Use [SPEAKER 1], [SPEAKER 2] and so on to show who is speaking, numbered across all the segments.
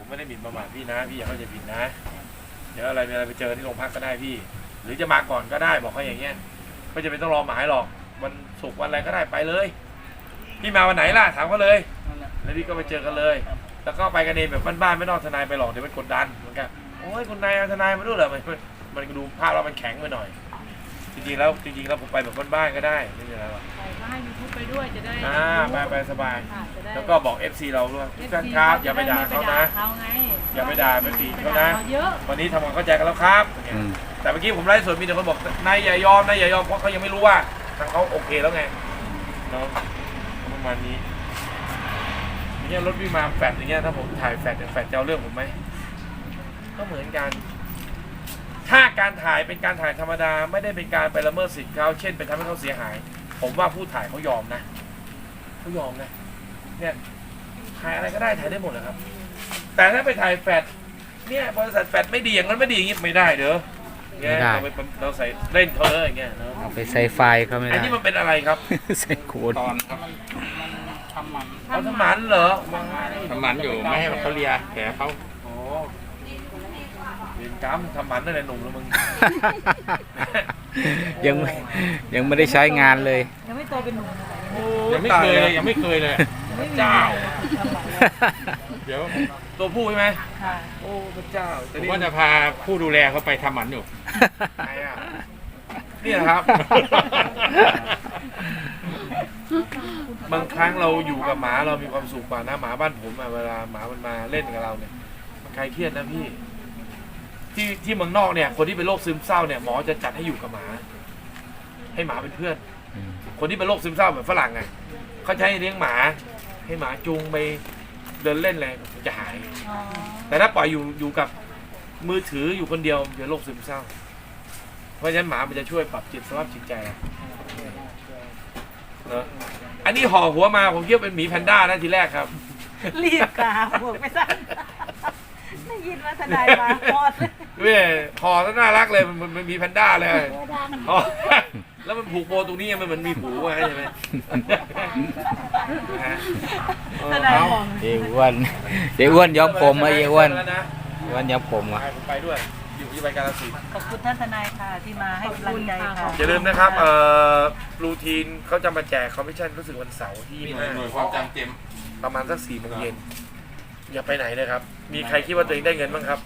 [SPEAKER 1] ไม่ได้หมิ่นประมาทพี่นะพี่อย่าเข้าใจผิดนะเดี๋ยวอะไรมีอะไรไปเจอที่โรงพักก็ได้พี่หรือจะมาก่อนก็ได้บอกเขาอย่างเงี้ยไม่จะเป็นต้องรอหมายหรอกวันศุกร์วันอะไรก็ได้ไปเลยพี่มาวันไหนล่ะถามเขาเลยแล้วพี่ก็ไปเจอกันเลยแล้วก็ไปกันเองแบบบ้านๆไม่ต้องทนายไปหรอกเดี๋ยวมันกดดันเหมือนกันโอ้ยคุณนายทนายมาด้วยเหรอมันดูภาพเรามันแข็งไปหน่อยจริงๆแล้วผมไปแบบบ้านๆก็ได้ไม่มีอะไรหรอก
[SPEAKER 2] ไปก็ให้ยูทูบไปด้วยจะได้
[SPEAKER 1] ไปสบายแล้วก็บอก FC เราด้วยทุกท่านครับอย่าไปด่าเขานะอย่าไปด่าไปตีเขานะวันนี้ทำความเข้าใจกันแล้วครับแต่เมื่อกี้ผมไลฟ์สดมีแต่คนบอกนายอย่ายอมเพราะเขายังไม่รู้ว่าทางเขาโอเคแล้วไงเนาะประมาณนี้เนี่ยรถวิ่งมาแฟดอย่างเงี้ยถ้าผมถ่ายแฟดจะเอาเรื่องผมไหมก็เหมือนกันถ้าการถ่ายเป็นการถ่ายธรรมดาไม่ได้เป็นการไปละเมิดสิทธิ์เขาเช่นไปทำให้เขาเสียหายผมว่าผู้ถ่ายเขายอมนะเขายอมนะเนี่ยถ่ายอะไรก็ได้ถ่ายได้หมดเลยครับแต่ถ้าไปถ่ายแฟดเนี่ยบริษัทแฟดไม่ดีอย่างนั้นไม่ดีอย่างนี้ไม่ได้เด้อเนี่ยเราใส่เล่นเขาเลยอย่างเงี้ยเนาะ
[SPEAKER 3] เอาไปใส่ไฟเขาไม่ได้
[SPEAKER 1] อันนี้มันเป็นอะไรครับ
[SPEAKER 3] ใส่โคตร
[SPEAKER 4] ตอนครับทำมัน
[SPEAKER 1] เอาทำหมันเหรอ
[SPEAKER 4] ทำมันอยู่ไม่ให้เขาเลียแผลเขา
[SPEAKER 1] โอ้เรียนกรรมทำหมันนั่นแหละหนุ่มแล้วมึง
[SPEAKER 3] ยังไม่ได้ใช้งานเลย
[SPEAKER 2] ยังไม่โตเป็นหนุ่ม
[SPEAKER 4] ยังไม่เคยเลยเจ้าเดี๋ยว
[SPEAKER 1] ตัวผู้ใช่ไหมโอ้พระเจ้า
[SPEAKER 4] ผมว่าจะพาผู้ดูแลเขาไปทำหมันอยู่
[SPEAKER 1] ไหนอ่ะนี่ครับบางครั้งเราอยู่กับหมาเรามีความสุขกว่านะหมาบ้านผมเวลาหมามันมาเล่นกับเราเนี่ยใครเครียดนะพี่ที่เมืองนอกเนี่ยคนที่เป็นโรคซึมเศร้าเนี่ยหมอจะจัดให้อยู่กับหมาให้หมาเป็นเพื่อนคนที่เป็นโรคซึมเศร้าแบบฝรั่งไงเขาใช้เลี้ยงหมาให้หมาจูงไปเดินเล่นอะไรมันจะหายแต่ถ้าปล่อยอยู่กับมือถืออยู่คนเดียวจะโรคซึมเศร้าเพราะฉะนั้นหมามันจะช่วยปรับสภาพจิตใจเนอะอันนี้ห่อหัวมาผมคิดว่าเป็นหมีแพนด้านะทีแรกครับ
[SPEAKER 2] รีบกาบอกไม่ทันได้ยินว่าทนายมาพอด
[SPEAKER 1] เว้ยห่อแล้วน่ารักเลยมันมีแพนด้าเลยแล้วมันผูกโบตรงนี้มันเหมือนมีผูไว้ใช่ไหม
[SPEAKER 2] ทนายบอก
[SPEAKER 3] เอ้อ้วนย้อมผมมาอ้วนย้อมผมอ่ะ
[SPEAKER 1] ผมไปด้วยอยู่ที่ใบการศิลป์
[SPEAKER 2] ขอบคุณท่านทนายค่ะที่มาให้กำลังใจค่ะ
[SPEAKER 1] อย่าลืมนะครับรูทีนเขาจะมาแจกคอมมิชชั่นรู้สึกวันเสาร์ที่
[SPEAKER 4] หน่วยความจำเต็ม
[SPEAKER 1] ประมาณสัก4 โมงเย็นอย่าไปไหนเลยครับมีใครคิดว่าตัวเองได้เงินบ้างครับ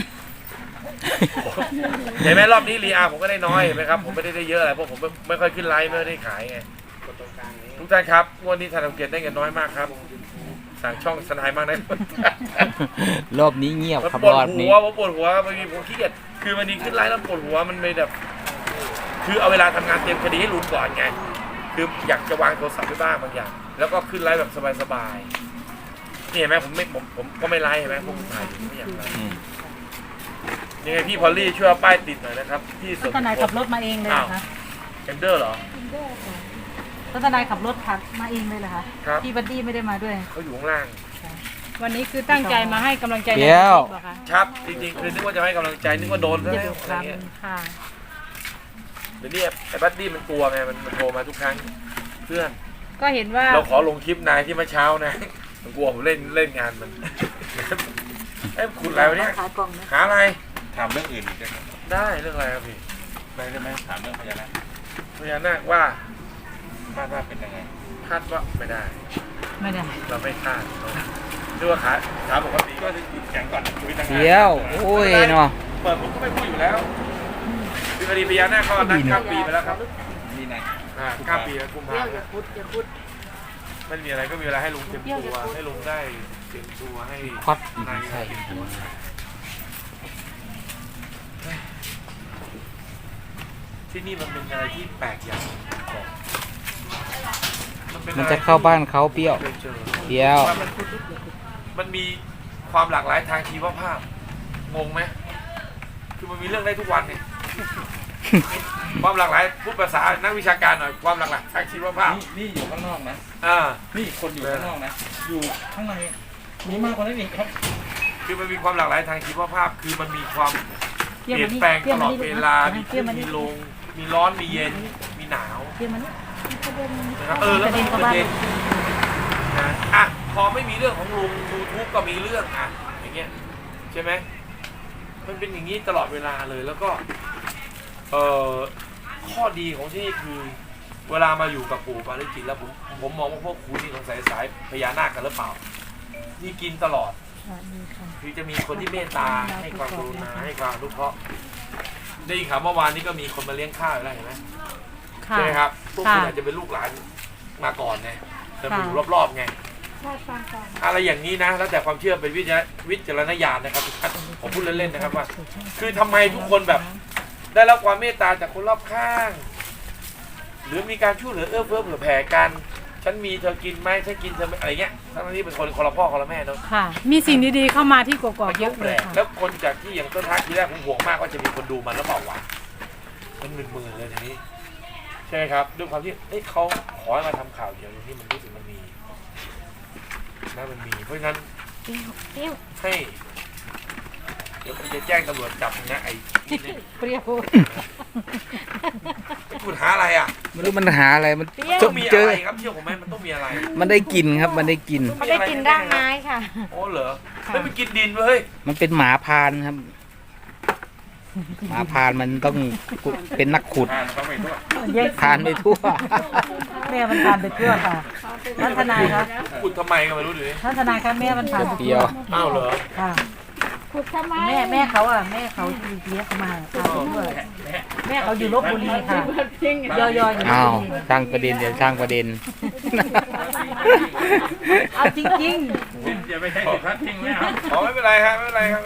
[SPEAKER 1] เห็นไหมรอบนี้รีอาผมก็ได้น้อยเห็นไหมครับผมไม่ได้เยอะอะไรเพราะผมไม่ค่อยขึ้นไลฟ์ไม่ได้ขายไงทุกท่านครับงวดนี้ธนาคารได้เงินน้อยมากครับสั่งช่องทนายมากนะ
[SPEAKER 3] รอบนี้เงียบครับรอบนี้
[SPEAKER 1] ผมปวดหัวบางทีผมขี้เกียจคือวันนี้ขึ้นไลฟ์แล้วปวดหัวมันไม่แบบคือเอาเวลาทำงานเตรียมคดีให้ลุงก่อนไงคืออยากจะวางโทรศัพท์ไปบ้างบางอย่างแล้วก็ขึ้นไลฟ์แบบสบายๆนี่เห็นไหมผมก็ไม่ไลฟ์เห็นไหมผมถ่ายอยู่ไม่อยากไลฟ์นี่ไงพี่พอลลี่ช่วยป้ายติดหน่อยนะครับที่สุด
[SPEAKER 2] ทนายขับรถมาเองเลยนะคะ
[SPEAKER 1] เอนเดอร์เหรอ
[SPEAKER 2] ทนายขับรถขับมาเองเลยเหรอคะพี่บัดดี้ไม่ได้มาด้วย
[SPEAKER 1] เขาอยู่ข้างล่าง
[SPEAKER 2] วันนี้คือตั้งใจมาให้กำลังใจ
[SPEAKER 3] เดี๋ยว
[SPEAKER 1] ครับจริงๆคือนึกว่าจะให้กำลังใจนึกว่าโดนแล้วอะไรเงี้ยเดี๋ยวนี้ไอ้บัดดี้มันกลัวไงมันโทรมาทุกครั้งเพื่อน
[SPEAKER 2] ก็เห็นว่า
[SPEAKER 1] เราขอลงคลิปนายที่เมื่อเช้านะมันกลัวผมเล่นงานมันไอ้คุณอะไรวะเนี่ยหาอะไร
[SPEAKER 4] ถามเรื่องอื่น
[SPEAKER 1] ได้เรื่องอะไรครับพี่
[SPEAKER 4] ได้ไหมถามเรื่องพญานา
[SPEAKER 1] คว่า
[SPEAKER 4] คาดว่าเป็นยังไง
[SPEAKER 1] คาดว่าไม่ได้เราไม่คาดดูว่าขาปกติก็ติดแข็งก่อนคุยตั้งนาน
[SPEAKER 3] เดี๋ยวโอ้ยเนาะ
[SPEAKER 1] เปิดผมก็ไม่พูดอยู่แล้วคือคดีพญานาคเขานัดข้ามปีไปแล้วครับ
[SPEAKER 4] นี่นะ
[SPEAKER 1] ข้ามปีแล้วกุมภาพันธ์ไม่มีอะไรก็มีเวลาให้ลุงเตรียมตัวให้ลุงได้เตรียมตัวให้
[SPEAKER 3] พัด
[SPEAKER 1] ใช่ที่นี่มันเป็นอะไรที่แปลกอย่าง
[SPEAKER 3] มันจะเข้าบ้านเขาเปรี้ยว
[SPEAKER 1] มันมีความหลากหลายทางชีวภาพงงไหมคือมันมีเรื่องได้ทุกวันเนี่ยความหลากหลายพูดภาษานักวิชาการหน่อยความหลากหลายทางชีวภาพ
[SPEAKER 4] นี่อยู่ข้างนอกนะนี่คนอยู่ข้างนอกนะอยู่ข้างในมีมากกว่านั้นอีกครับ
[SPEAKER 1] คือมันมีความหลากหลายทางชีวภาพคือมันมีความเปลี่ยนแปลงตลอดเวลามีขึ้นมีลงมีร้อนมีเย็นมีหนาวแล้วมันประเด็นพอไม่มีเรื่องของลุง YouTube ก็มีเรื่องอย่างเงี้ยใช่ไหมมันเป็นอย่างนี้ตลอดเวลาเลยแล้วก็ข้อดีของที่นี่คือเวลามาอยู่กับปู่ปาริจิตแล้วผมมองว่าพวกคุณนี่สงสัยสายพญานาคกันหรือเปล่าที่กินตลอดคือจะมีคนที่เมตตาให้ความกรุณาให้ความอนุเคราะห์ได้ยินข่าวเมื่อวานนี้ก็มีคนมาเลี้ยงข้าวอะไรเห็นไหมใช่ไหมครับพวกคุณอาจจะเป็นลูกหลานมาก่อนไงจะมาอยู่รอบๆไงอะไรอย่างนี้นะแล้วแต่ความเชื่อเป็นวิจารณญาณนะครับผมพูดเล่นๆนะครับว่าคือทำไมทุกคนแบบได้รับความเมตตาจากคนรอบข้างหรือมีการช่วยเหลือเอื้อเฟื้อเผื่อแผ่กันฉันมีเธอกินไหมฉันกินเธออะไรเงี้ยทั้งนี้เป็นคนละพ่อคนละแม่เนาะ
[SPEAKER 2] ค่ะมีสิ่งดีๆเข้ามาที่กกอกเยอะเลยค่ะ
[SPEAKER 1] แล้วคนจากที่อย่างต้นทักที่แรกผมห่วงมากว่าจะมีคนดูมันแล้วเปล่าวะมันหมื่นๆเลยทีนี้ใช่ไหมครับด้วยความที่เขาขอให้มาทำข่าวเดี๋ยวนี้มันรู้สึกมันมีนะมันมีเพราะฉะนั้นให้เดี๋ยวผมจะแจ้งตำรวจจับนะไอ้
[SPEAKER 2] เปรี้ยว
[SPEAKER 1] คุณหาอะไรอ่ะ
[SPEAKER 3] ไม่รู้มันหาอะไรมัน
[SPEAKER 1] ต้องมีอะไรครับเชื่อผมไหมมันต้องมีอะไร
[SPEAKER 3] มันได้กินครับมันได้กิน
[SPEAKER 2] รากไม้ค่ะ
[SPEAKER 1] โอ้เหรอไม่ไปกินดินเลย
[SPEAKER 3] มันเป็นหมาพานครับหมาพานมันต้องเป็นนักขุดพานไปทั่ว
[SPEAKER 2] แม่มันพานไปทั่วค่ะท่านทนายครับ
[SPEAKER 1] ขุดทำไมก็ไม่รู้ดิ
[SPEAKER 2] ท่านทนายครับแม่มันพานไปทั่ว
[SPEAKER 1] อ้าวเหรอ
[SPEAKER 2] ค่ะแม่เขาอ่ะแม่เขาเลี้ยงเขามาพาไปด้วยแม่เขาอยู่ลพบุรีค่ะย่อยๆ
[SPEAKER 3] อ้าวสร้างประเด็นเดี๋ยวสร้างประเด็น
[SPEAKER 2] เอาจริง
[SPEAKER 4] ๆอย่าไปใช้สิทธิ์พัดทิ้งเลย
[SPEAKER 1] ครับไม่เป็นไรครับไม่เป็นไรครับ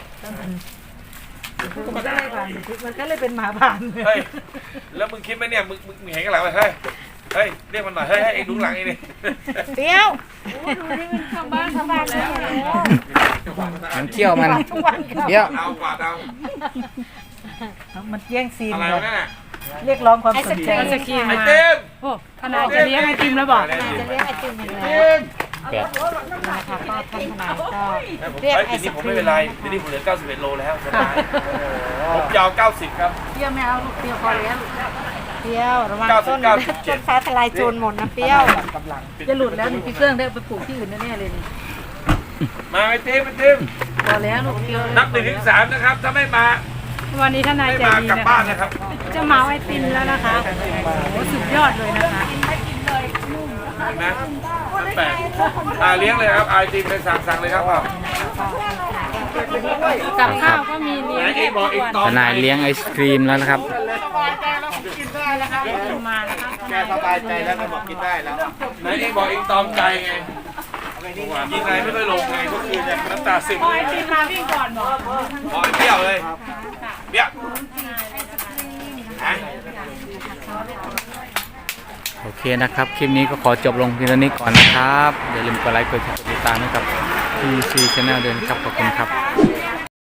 [SPEAKER 2] มันก็เลยเป็นหมาผ่าน
[SPEAKER 1] เฮ้ยแล้วมึงคิดไหมเนี่ยมึงเห็นกันหลังไหมเฮ้ยเรียกมันหน่อยเฮ้ยเอ็งดูหลังนี่
[SPEAKER 2] เปี้ยวทำบ้านแล้ว
[SPEAKER 3] มันเที่ยวมันเที่ยว
[SPEAKER 1] เอากวาด
[SPEAKER 2] เอามันแย่งซีน
[SPEAKER 1] อะไรนั่นน่ะ
[SPEAKER 2] เรียกร้องความสนใจ
[SPEAKER 1] ไอติม
[SPEAKER 2] โอ้ทนายจะเลี้ยงไอติมแล้วบอก
[SPEAKER 1] จะ
[SPEAKER 2] เลี้ยงไอติมแล้วนะคะก็ท่านทนายก็
[SPEAKER 1] เรียกไอติมผมไม่เป็นไรทีนี้ผมเหลือ91โลแล้วผมยาว90ครับ
[SPEAKER 2] เปรี้ยวไม่เอาลูกเปรี้ยวพอแล้วเปรี้ยวระวังต้นฟ้าทลายโจรหมดนะเปรี้ยวจะหลุดแล้วนี่พี่เครื่องได้ไปปลูกที่อื่นแน่ๆเลยนี่
[SPEAKER 1] มาไอติม
[SPEAKER 2] พอแล้วลูกเปรี้ยว
[SPEAKER 1] นับ1 ถึง 3นะครับถ้าไม่มา
[SPEAKER 2] วันนี้ทนายใจดี
[SPEAKER 1] กลับบ้านนะครับ
[SPEAKER 2] จะเมาไอติมแล้วนะคะโอ้สุดยอดเลยนะคะ
[SPEAKER 1] นะแปลกเลี้ยงเลยครับไอติมไปสั่งเลยครับ
[SPEAKER 2] กับข้าวก็มีเลี้ยง
[SPEAKER 3] ทนายเลี้ยงไอศครีมแล้วนะครับ
[SPEAKER 2] มาแล้วครับ
[SPEAKER 4] แกสบายใจแล้วก็บอกกินได้แล้ว
[SPEAKER 1] ไหนเองบอกเองตอมใจไงยิงไงไม่ค่อยลงไงก็คือจะน้ำตาซึม
[SPEAKER 2] ไอติมมาวิ่งก่อนบอก
[SPEAKER 1] เปรี้ยวเลยเปรี้ยว
[SPEAKER 3] โอเคนะครับคลิปนี้ก็ขอจบลงเพียงเท่านี้ก่อนนะครับอย่าลืมกดไลค์กดแชร์กดติดตามให้กับ TC Channel ด้วยนะครับขอบคุณครับ